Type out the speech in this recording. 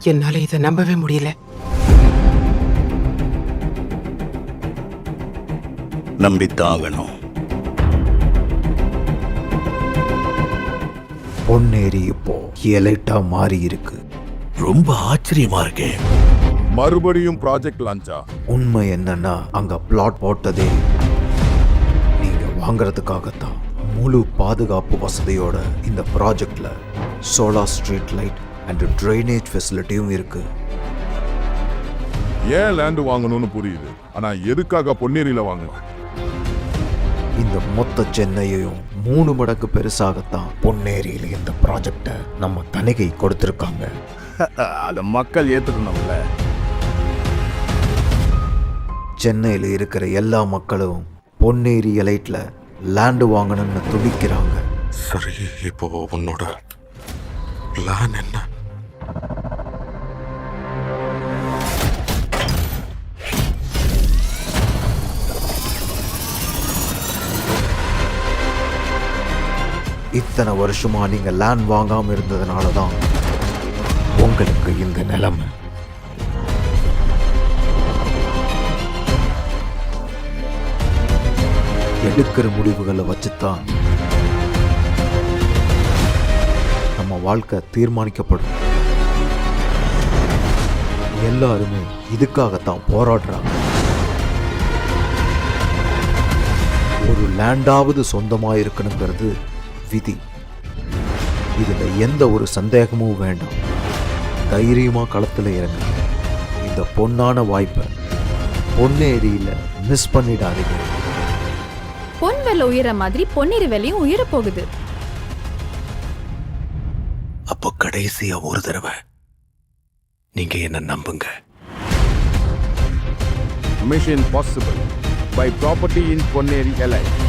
என்னால இதை நம்பவே முடியல. நம்பித்தாகணும். பொன்னேரி இப்போ எலைட்டா மாறி இருக்கு. ரொம்ப ஆச்சரியமா இருக்கே. மறுபடியும் ப்ராஜெக்ட் லான்ச்சா? உண்மை என்னன்னா அங்க பிளாட் போட்டதே நீங்க வாங்குறதுக்காகத்தான். முழு பாதுகாப்பு வசதியோட இந்த ப்ராஜெக்ட்ல solar street light and drainage ஃபெசிலிட்டியும் இருக்கு. ஏன் லேண்ட் வாங்கணும்னு புரியுது, ஆனா எதுக்காக பொன்னேரியில வாங்கணும்? இந்த மொத்த சென்னையையும் 3 மடங்கு பெருசாகத்தான் பொன்னேரியில இந்த ப்ராஜெக்டை நம்ம தணிகை கொடுத்திருக்காங்க. அதை மக்கள் ஏத்துக்கணும்ல. சென்னையில் இருக்கிற எல்லா மக்களும் பொன்னேரி எலைட்ல லேண்டு வாங்கணும்னு துடிக்கிறாங்க. சரி, இப்போ உன்னோட பிளான் என்ன? இத்தனை வருஷமா நீங்க லேண்ட் வாங்காம இருந்ததுனால தான் உங்களுக்கு இந்த நிலைமை. எடுக்கிற முடிவுகளை வச்சுதான் நம்ம வாழ்க்கை தீர்மானிக்கப்படும். எல்லாருமே இதுக்காகத்தான் போராடுறாங்க. ஒரு லேண்டாவது சொந்தமா இருக்கணுங்கிறது விதி. இதுல எந்த ஒரு சந்தேகமும் வேண்டாம். தைரியமா களத்துல இறங்க. இந்த பொன்னான வாய்ப்பை பொன்னேரியில மிஸ் பண்ணிடாதீங்க. பொன் விலை உயர மாதிரி பொன்னேரி விலையும் உயர போகுது. அப்போ கடைசியா ஒரு தடவை நீங்க என்ன நம்புங்க. Mission possible by property in Ponneri எலை.